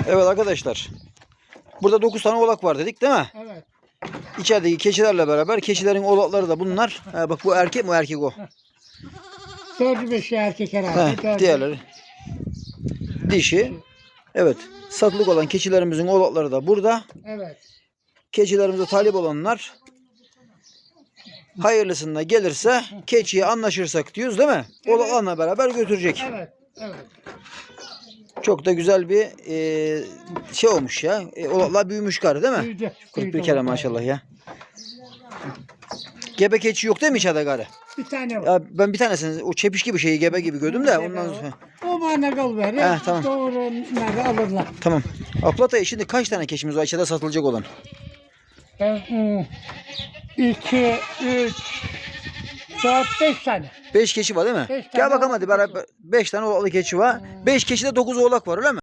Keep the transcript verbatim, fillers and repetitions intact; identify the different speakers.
Speaker 1: Evet arkadaşlar. Burada dokuz tane oğlak var dedik değil mi?
Speaker 2: Evet.
Speaker 1: İçerideki keçilerle beraber keçilerin oğlakları da bunlar. Ha, bak bu erkek mi erkek o?
Speaker 2: Dördü beşi erkek herhalde.
Speaker 1: Heh,
Speaker 2: dördü-
Speaker 1: diğerleri dişi. Evet. Satılık olan keçilerimizin oğlakları da burada.
Speaker 2: Evet.
Speaker 1: Keçilerimize talip olanlar hayırlısına gelirse keçiye anlaşırsak diyoruz değil mi?
Speaker 2: Evet.
Speaker 1: Oğlaklarla beraber götürecek.
Speaker 2: Evet. Evet.
Speaker 1: Çok da güzel bir e, şey olmuş ya. E, oğlaklar büyümüş gari değil mi?
Speaker 2: Büyüdü.
Speaker 1: kırk bir
Speaker 2: Büyüdü
Speaker 1: kere
Speaker 2: oğlaklar.
Speaker 1: maşallah ya. Gebe keçi yok değil mi içeride gari?
Speaker 2: Bir tane var.
Speaker 1: Ya ben bir tanesini o çepiş gibi şeyi gebe gibi gördüm de ondan sonra.
Speaker 2: O bana kal ver.
Speaker 1: Heh, tamam.
Speaker 2: Doğru nerede alırlar.
Speaker 1: Tamam. Aplatay şimdi kaç tane keçimiz var içeride satılacak olan?
Speaker 2: Ben, hmm, iki, üç, dört, beş tane.
Speaker 1: beş keçi var değil mi?
Speaker 2: Beş
Speaker 1: Gel
Speaker 2: tane
Speaker 1: bakalım
Speaker 2: oğlak
Speaker 1: hadi beraber beş tane oğlaklı keçi var. beş keçide dokuz oğlak var öyle mi?